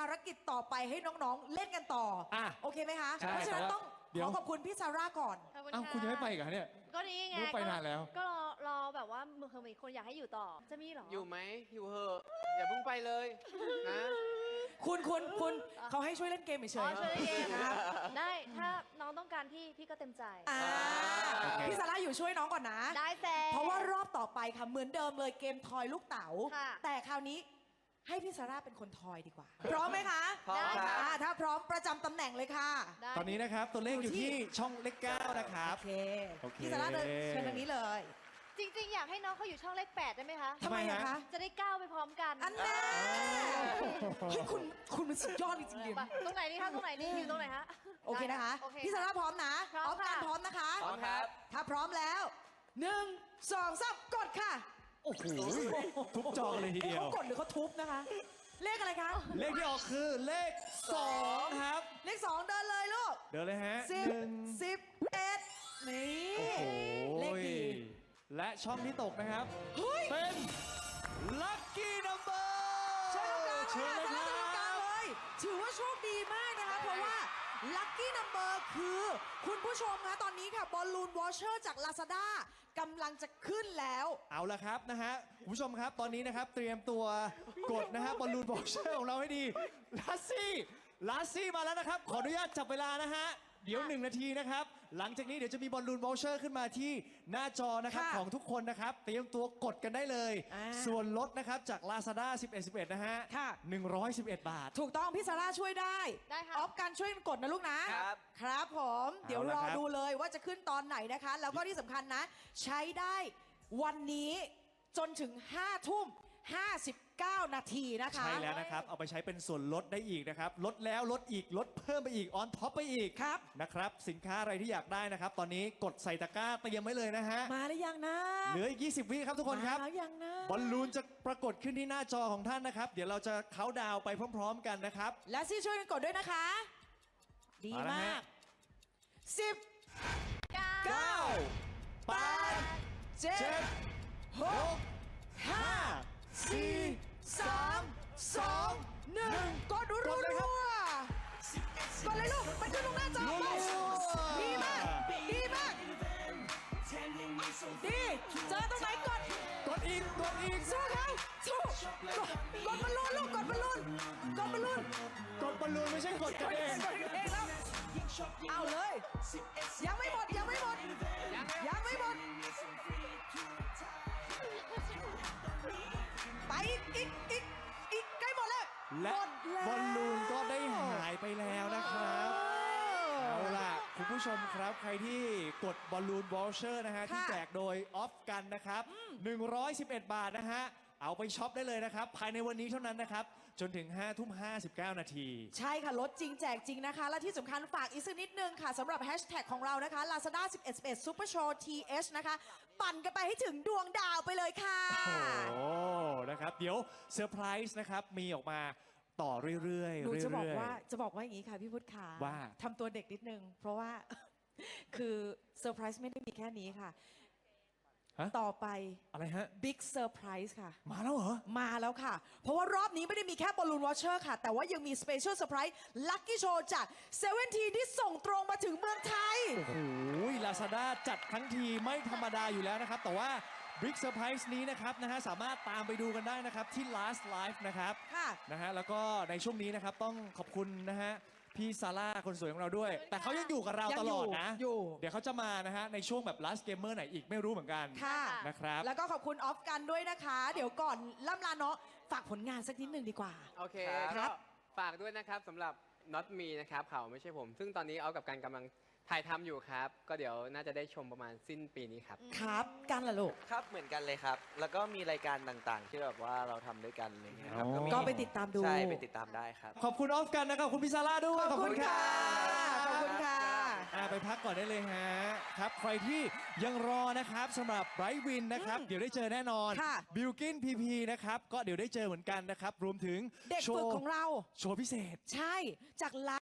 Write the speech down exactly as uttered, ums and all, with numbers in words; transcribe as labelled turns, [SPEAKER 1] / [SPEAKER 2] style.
[SPEAKER 1] ารกิจต่อไปให้น้องๆเล่นกันต่ออ่ะโอเคไหมคะเพราะฉะนั้นต้องขอขอบคุณพี่ซาร่าก่อน
[SPEAKER 2] อ้าวคุณยังไม่ไปกันเนี่ย
[SPEAKER 3] ก็นี่ไง
[SPEAKER 2] รู้ไปนานแล้ว
[SPEAKER 3] ก็รอรอแบบว่ามือคือมีคนอยากให้อยู่ต่อจะมีหรอ
[SPEAKER 4] อยู่ไหมอยู่เหอะอย่าเพิ่งไปเลยนะ
[SPEAKER 1] คุณคุณคุณเขาให้ช่วยเล่นเกมเฉย
[SPEAKER 3] ๆช่วยเล่นเกมครับได้ถ้าน้องต้องการพี่พี่ก็เต็มใจ
[SPEAKER 1] พี่ซาร่าอยู่ช่วยน้องก่อนนะ
[SPEAKER 3] ได้แซ่
[SPEAKER 1] เพราะว่ารอบต่อไปค่ะเหมือนเดิมเลยเกมทอยลูกเต๋าแต่คราวนี้ให้พี่ซาร่าเป็นคนทอยดีกว่าพร้อมไหมคะ
[SPEAKER 4] พร้อมค่ะ
[SPEAKER 1] ถ้าพร้อมประจำตำแหน่งเลยค่ะ
[SPEAKER 2] ตอนนี้นะครับตัวเลขอยู่ที่ช่องเลขเก้านะครับ
[SPEAKER 1] โอเคพี่ซาร่าเดินเชิญทางนี้เลย
[SPEAKER 3] จริงๆอยากให้น้องเขาอยู่ช่องเลขแปดได้ไหมคะ
[SPEAKER 1] ทำไมอะคะ
[SPEAKER 3] จะได้ก้าวไปพร้อมกัน
[SPEAKER 1] อันแน่เฮ้ยคุณคุณมันสุดยอดจริงๆ
[SPEAKER 3] ตรงไหนนี่คะตรงไหนนี่อยู่ตรงไหนฮะ
[SPEAKER 1] โอเคนะคะพี่ซาร่าพร้อมนะ
[SPEAKER 3] พร้อมค่ะ
[SPEAKER 1] พร้อมนะคะ
[SPEAKER 4] พร้อมครับ
[SPEAKER 1] ถ้าพร้อมแล้วหนึ่งสองสามกดค่ะ
[SPEAKER 2] โอ้โหทุบจอเลยทีเดียว
[SPEAKER 1] เขากดหรือเขาทุบนะคะเลขอะไรคะ
[SPEAKER 2] เลขที่ออกคือเลขสองครับ
[SPEAKER 1] เลขสองเดินเลยลูก
[SPEAKER 2] เดินเลยฮะ
[SPEAKER 1] สิบสิบเอ็ดนี่เลขดี
[SPEAKER 2] และช่องที่ตกนะครับเป็น Lucky Number
[SPEAKER 1] เชิญตรงกลางเลย
[SPEAKER 2] เชิญเลยครับ
[SPEAKER 1] ตรงกลางเลยถือว่าโชคดีมากนะคะเพราะว่า Lucky Number คือคุณผู้ชมคะตอนนี้ค่ะบอลลูนวอชเชอร์จาก Lazada กำลังจะขึ้นแล้ว
[SPEAKER 2] เอาละครับนะฮะคุณผู้ชมครับตอนนี้นะครับเตรียมตัวกดนะฮะบอลลูนวอชเชอร์ของเราให้ดีลาซี่ลาซี่มาแล้วนะครับขออนุญาตจับเวลานะฮะเดี๋ยวหนึ่งนาทีนะครับหลังจากนี้เดี๋ยวจะมีบอลลูนวอลเชอร์ขึ้นมาที่หน้าจอนะครับของทุกคนนะครับเตรียมตัวกดกันได้เลยส่วนลดนะครับจาก Lazada สิบเอ็ด สิบเอ็ดนะฮะหนึ่งร้อยสิบเอ็ดบาท
[SPEAKER 1] ถูกต้องพี่ซาร่าช่วยได้
[SPEAKER 3] ได้ค่ะ
[SPEAKER 1] ออฟกันช่วยกดนะลูกนะครับครับผมเดี๋ยวรอดูเลยว่าจะขึ้นตอนไหนนะคะแล้วก็ที่สำคัญนะใช้ได้วันนี้จนถึงห้าทุ่มห้าสิบเก้านาทีนะคะ
[SPEAKER 2] ใช่แล้วนะครับเอาไปใช้เป็นส่วนลดได้อีกนะครับลดแล้วลดอีกลดเพิ่มไปอีกออนท็อปไปอีก
[SPEAKER 1] ครับ
[SPEAKER 2] นะครับสินค้าอะไรที่อยากได้นะครับตอนนี้กดใส่ตะกร้าเตรียมไว้เลยนะฮะ
[SPEAKER 1] มาหรือยังนะ
[SPEAKER 2] เหลืออีกยี่สิบวิครับทุกคนครับ
[SPEAKER 1] มาหรือยังนะ
[SPEAKER 2] บอลลูนจะปรากฏขึ้นที่หน้าจอของท่านนะครับเดี๋ยวเราจะเค้าดาวไปพร้อมๆกันนะครับ
[SPEAKER 1] และซี่ช่วยกันกดด้วยนะคะดีมากสิบเก้าแปดเจ็ดหกห้าสี่สามสองหนึ่งกดรัวๆกดเลยลูกมันขึ้นตรงหน้าจอไปดีมากดีมากดีเจอตรงไหนกด
[SPEAKER 2] กดอีกกดอีก
[SPEAKER 1] สู้เขาสู้กดกดบอลลูนลูกกดบอลลูนกดบอลลูน
[SPEAKER 2] กดบอลลูนไม่ใช่กดกันเอง
[SPEAKER 1] กดเองแล้วเอาเลยยังไม่หมดยังไม่หมดยังไม่หมดไปอีกอีกอีกอีกใกล้หมดแล้ว
[SPEAKER 2] และบอลลูนก็ได้หายไปแล้วนะครับเอาล่ะคุณผู้ชมครับใครที่กดบอลลูนวอลเชอร์นะฮะที่แจกโดยออฟกันนะครับหนึ่งร้อยสิบเอ็ดบาทนะฮะเอาไปช็อปได้เลยนะครับภายในวันนี้เท่านั้นนะครับจนถึงห้าทุ่มห้าสิบเก้านาที
[SPEAKER 1] ใช่ค่ะลดจริงแจกจริงนะคะและที่สำคัญฝากอีกสักนิดนึงค่ะสำหรับแฮชแท็กของเรานะคะ Lazada สิบเอ็ด สิบเอ็ด Super Show ที เอช นะคะปั่นกันไปให้ถึงดวงดาวไปเลยค่ะ
[SPEAKER 2] โอ้นะครับเดี๋ยวเซอร์ไพรส์นะครับมีออกมาต่อเรื่อยๆ
[SPEAKER 1] หนูจะบอกว่าจะบอกว่าอย่างนี้ค่ะพี่พุทธขา
[SPEAKER 2] ว่า
[SPEAKER 1] ทำตัวเด็กนิดนึงเพราะว่าคือเซอร์ไพรส์ไม่ได้มีแค่นี้ค่ะต่อไป
[SPEAKER 2] อะไรฮะ
[SPEAKER 1] บิ๊กเซอร์ไพรส์ค่ะ
[SPEAKER 2] มาแล้วเหรอ
[SPEAKER 1] มาแล้วค่ะเพราะว่ารอบนี้ไม่ได้มีแค่บอลลูนวอชเชอร์ค่ะแต่ว่ายังมีสเปเชียลเซอร์ไพรส์ลัคกี้โชว์จากเซเว่นทีที่ส่งตรงมาถึงเมืองไทย
[SPEAKER 2] โอ้โหลาซาด้าจัดทั้งทีไม่ธรรมดาอยู่แล้วนะครับแต่ว่าบิ๊กเซอร์ไพรส์นี้นะครับนะฮะสามารถตามไปดูกันได้นะครับที่ last live นะครับ
[SPEAKER 1] ค่ะ
[SPEAKER 2] นะฮะแล้วก็ในช่วงนี้นะครับต้องขอบคุณนะฮะพี่ซาร่าคนสวยของเราด้วยแต่เขายังอยู่กับเราตลอดนะเดี๋ยวเขาจะมานะฮะในช่วงแบบ last gamer ไหนอีกไม่รู้เหมือนกัน
[SPEAKER 1] ค่ะ
[SPEAKER 2] นะครับ
[SPEAKER 1] แล้วก็ขอบคุณออฟกันด้วยนะคะเดี๋ยวก่อนล่ำลาเนาะฝากผลงานสักนิดหนึ่งดีกว่า
[SPEAKER 4] โอเคครับฝากด้วยนะครับสำหรับ not me นะครับเขาไม่ใช่ผมซึ่งตอนนี้เอากับการกำลังถ่ายทำอยู่ครับก็เดี๋ยวน่าจะได้ชมประมาณสิ้นปีนี้ครับ
[SPEAKER 1] ครับกันล่ะลูก
[SPEAKER 5] ครับเหมือนกันเลยครับแล้วก็มีรายการต่างๆที่แบบว่าเราทำด้วยกันอะไรเงี้ยครับ
[SPEAKER 1] ก็ไปติดตามดู
[SPEAKER 5] ใช่ไปติดตามได้ครับ
[SPEAKER 2] ขอบคุณออฟกันนะครับคุณพิซาร่าด้วย
[SPEAKER 1] ขอบคุณค่ะขอบคุณค่ะ
[SPEAKER 2] ไปพักก่อนได้เลยฮะครับใครที่ยังรอนะครับสำหรับไบรท์วินนะครับเดี๋ยวได้เจอแน่นอนบิลกินพีพีนะครับก็เดี๋ยวได้เจอเหมือนกันนะครับรวมถึง
[SPEAKER 1] เด็กฝึกของเรา
[SPEAKER 2] โชว์พิเศษ
[SPEAKER 1] ใช่จาก